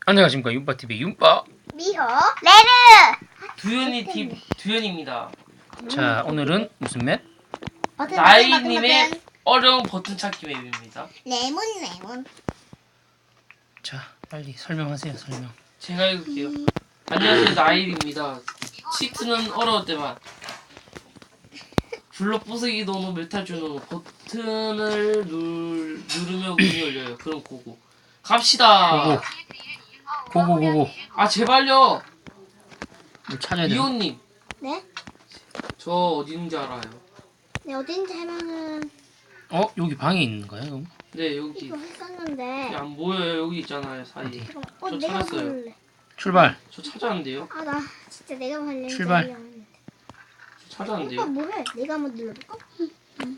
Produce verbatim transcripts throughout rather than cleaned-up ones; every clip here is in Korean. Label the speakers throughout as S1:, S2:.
S1: 안녕하십니까, 윤빠티비 윤빠.
S2: 미호 레르
S3: 두현이 팀 두현입니다.
S1: 자, 오늘은 무슨 맵?
S2: 버튼,
S3: 나이님의
S2: 버튼,
S3: 어려운 버튼 찾기 맵입니다.
S2: 레몬 레몬.
S1: 자, 빨리 설명하세요. 설명.
S3: 제가 읽을게요. 안녕하세요, 나일입니다. 시트는 어려울 때만 블록 부수기 도는 메탈줄 도는 버튼을 누, 누르면 문이 열려요. 그럼 고고 갑시다.
S1: 고고. 고고 고고.
S3: 아 제발요.
S1: 뭐 찾아야 돼.
S3: 이호님
S2: 네?
S3: 저 어디 있는지 알아요?
S2: 네 어딘지 하면은
S1: 어, 여기 방에 있는 거야, 그럼?
S3: 네 여기
S2: 이거 했었는데.
S3: 안 보여요. 여기 있잖아요 사이.
S1: 어디?
S2: 잠깐만. 어
S3: 저
S2: 내가
S3: 찾았어요.
S2: 볼래.
S1: 출발.
S3: 저 찾았는데요?
S2: 아 나 진짜 내가 할래.
S1: 출발.
S3: 저
S2: 오빠
S3: 찾았는데요?
S2: 뭐해? 내가 한번 눌러볼까? 응. 응.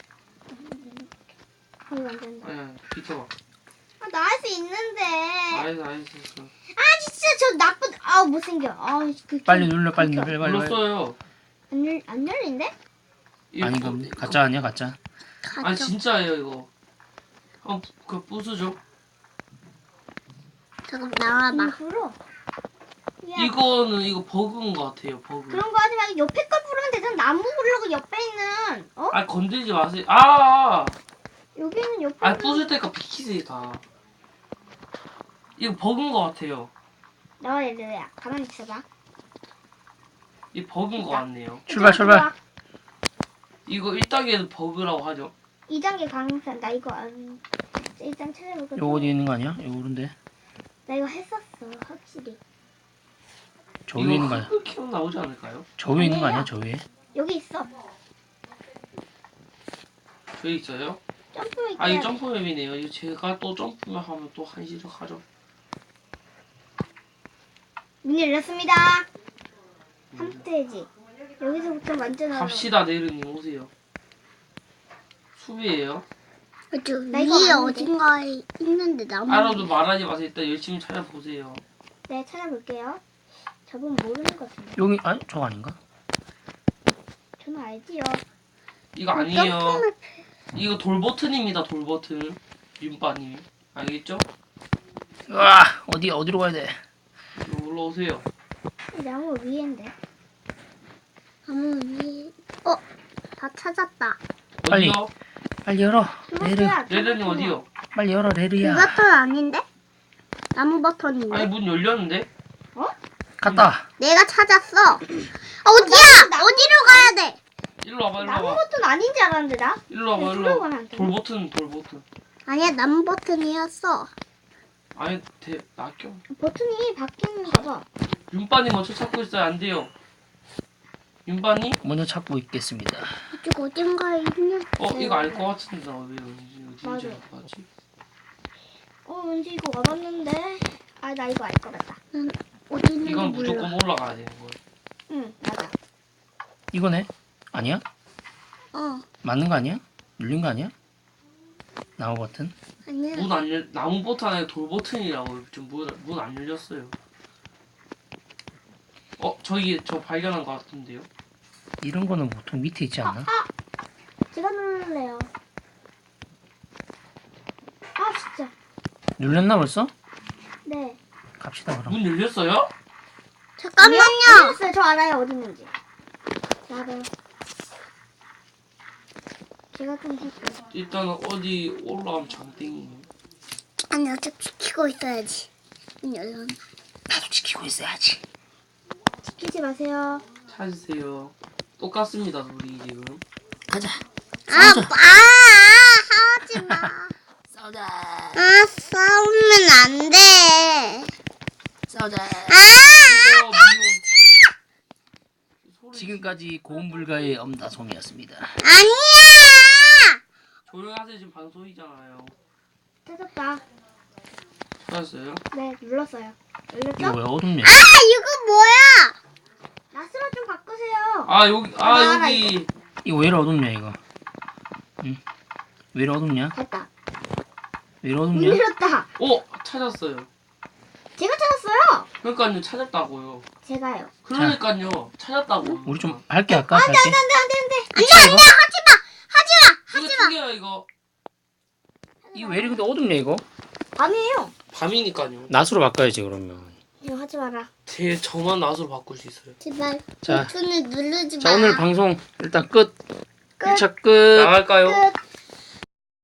S2: 이거 안 된다.
S3: 아니 아니 비켜봐.
S2: 아 나 할 수 있는데.
S3: 알겠어 알겠어.
S2: 아 진짜 저 나쁜. 아 못생겨. 아 그.
S1: 빨리 눌러, 빨리 눌러, 빨리 빨리.
S3: 눌렀어요.
S2: 안열안 열린데?
S3: 이거
S1: 아니,
S3: 뭐-
S1: 그럼 가짜 아니야, 가짜?
S3: 아니 진짜예요 이거. 한번 그 부수죠.
S2: 잠깐 나와봐. 불어. 야,
S3: 이거는 이거 버그인 것 같아요. 버그.
S2: 그런 거 하지 말고 옆에 걸 부르면 되잖아. 나무 부르고 옆에 있는. 어?
S3: 아 건들지 마세요. 아,
S2: 여기는 옆에.
S3: 아
S2: 있는-
S3: 부술 때까 비키세요 다. 이거 버그인 것 같아요.
S2: 나와 얘들아. 가만히 있어봐.
S3: 이 버그인 것 같네요.
S1: 출발, 출발.
S3: 이거 일 단계는 버그라고 하죠.
S2: 이 단계 강산. 나 이거 안. 일단 찾아볼게.
S1: 요거 어디 있는 거 아니야? 요거 오른데.
S2: 나 이거 했었어. 확실히.
S1: 저 위에 있는 거 아니야?
S3: 이거 키로 나오지 않을까요?
S1: 저 위에 있는 거 아니야, 저 위에?
S2: 여기 있어.
S3: 저기 있어요.
S2: 점프 있대.
S3: 아 이거 점프 맵이네요. 이거 제가 또 점프만 하면 또 한시적 하죠.
S2: 문 열렸습니다. 삼 스테이지. 여기서부터 완전 어려워.
S3: 갑시다 네르님 오세요. 수비예요.
S4: 저
S2: 나 이거
S4: 위에
S2: 아는데.
S4: 어딘가에 있는데 나무.
S3: 알아도 말하지 마세요. 일단 열심히 찾아보세요.
S2: 네, 찾아볼게요. 저분 모르는 것 같은데.
S1: 여기, 아니, 저거 아닌가?
S2: 저는 알지요.
S3: 이거 아니에요. 이거 돌 버튼입니다. 돌 버튼. 윤빠님 알겠죠?
S1: 으아, 어디, 어디로 가야 돼?
S3: 이거 올라오세요.
S2: 이 나무 위인데.
S4: 나무 위에. 어, 다 찾았다.
S1: 빨리.
S3: 어디요?
S1: 빨리 열어. 레르.
S2: 그것도야.
S3: 네르님 어디요?
S1: 빨리 열어,
S4: 이
S1: 레르야.
S4: 버튼 아닌데? 나무 버튼인데?
S3: 아니 문 열렸는데?
S1: 갔다.
S4: 내가 찾았어. 아, 어디야? 어디로 가야 돼?
S3: 일로 와봐 일로
S2: 나무
S3: 와봐.
S2: 버튼 아닌 줄 알았는데 나.
S3: 일로 와봐
S2: 네,
S3: 일로
S2: 들어가면
S3: 와봐.
S2: 안 돼.
S3: 돌 버튼 돌 버튼.
S4: 아니야, 나무 버튼이었어.
S3: 아니 대 낚여.
S2: 버튼이 바뀌는 거 봐.
S3: 윤빠님 먼저 찾고 있어요. 안 돼요. 윤빠님?
S1: 먼저 찾고 있겠습니다.
S4: 이쪽 어딘가에 있는.
S3: 어
S2: 네.
S3: 이거 알 것 같은데 나 왜 어딘지 어딘지
S2: 맞아.
S3: 알 것 같지?
S2: 어, 왠지 이거 와봤는데. 아, 나 이거 알 것 같다.
S4: 난 어디 있는지
S3: 이건
S4: 몰라.
S3: 무조건 올라가야 되는 거예요.
S2: 응, 맞아.
S1: 이거네? 아니야?
S4: 어,
S1: 맞는 거 아니야? 눌린 거 아니야? 나무 버튼?
S4: 아니야.
S3: 문 안 열, 나무 버튼 안에 돌 버튼이라고 지금 문문 안 열렸어요. 어 저기 저 발견한 것 같은데요?
S1: 이런 거는 보통 밑에 있지 않나?
S2: 제가 누를래요. 아, 진짜.
S1: 눌렸나 벌써?
S2: 네.
S1: 갑시다, 그럼.
S3: 문 열렸어요?
S4: 잠깐만요.
S2: 어요 저 알아요, 어디 있는지. 나도. 제가 좀 할게요.
S3: 일단 어디 올라가면 장땡이에요.
S4: 아니, 아직 지키고 있어야지. 문 열렸나?
S1: 나도 지키고 있어야지.
S2: 지키지 마세요.
S3: 찾으세요. 똑같습니다 우리 지금.
S1: 가자.
S4: 아,
S1: 싸우자.
S4: 아, 아, 하지 마.
S1: 싸우자.
S4: 아, 싸우면 안 돼.
S1: 싸우자.
S4: 아!
S3: 어, 미운. 소리
S1: 지금까지 고음불가의 엄다솜이었습니다.
S4: 아니야!
S3: 조용하세요. 지금 방송이잖아요.
S2: 찾았다.
S3: 찾았어요?
S2: 네, 눌렀어요. 열렸죠?
S1: 이거 왜 어둡냐?
S4: 아, 이거 뭐야?
S2: 나스로 좀 바꾸세요.
S3: 아 여기 아
S2: 아, 알아,
S3: 여기
S1: 이거 왜 이리 어둡냐, 이거? 응? 왜 이리 어둡냐?
S2: 됐다.
S1: 왜 이리
S2: 문
S1: 어둡냐?
S2: 열었다.
S3: 어 찾았어요.
S2: 제가 찾았어요.
S3: 그러니까요 찾았다고요.
S2: 제가요.
S3: 그러니까요 찾았다고.
S1: 우리 좀 밝게 할까?
S2: 안돼,
S1: 밝게?
S2: 안돼, 안돼, 안돼, 안돼.
S1: 끝이야, 이거?
S3: 이거 튀겨요 이거.
S1: 이거 왜 이리 근데 어둡냐, 이거?
S2: 아니에요.
S3: 밤이니까요.
S1: 낫으로 바꿔야지 그러면.
S2: 이거 하지 마라.
S3: 제 저만 낫으로 바꿀 수 있어요.
S4: 제발
S1: 자.
S4: 버튼을 누르지 마.
S1: 자 오늘 방송 일단 끝.
S2: 끝.
S1: 일 차 끝.
S3: 나갈까요?
S2: 끝.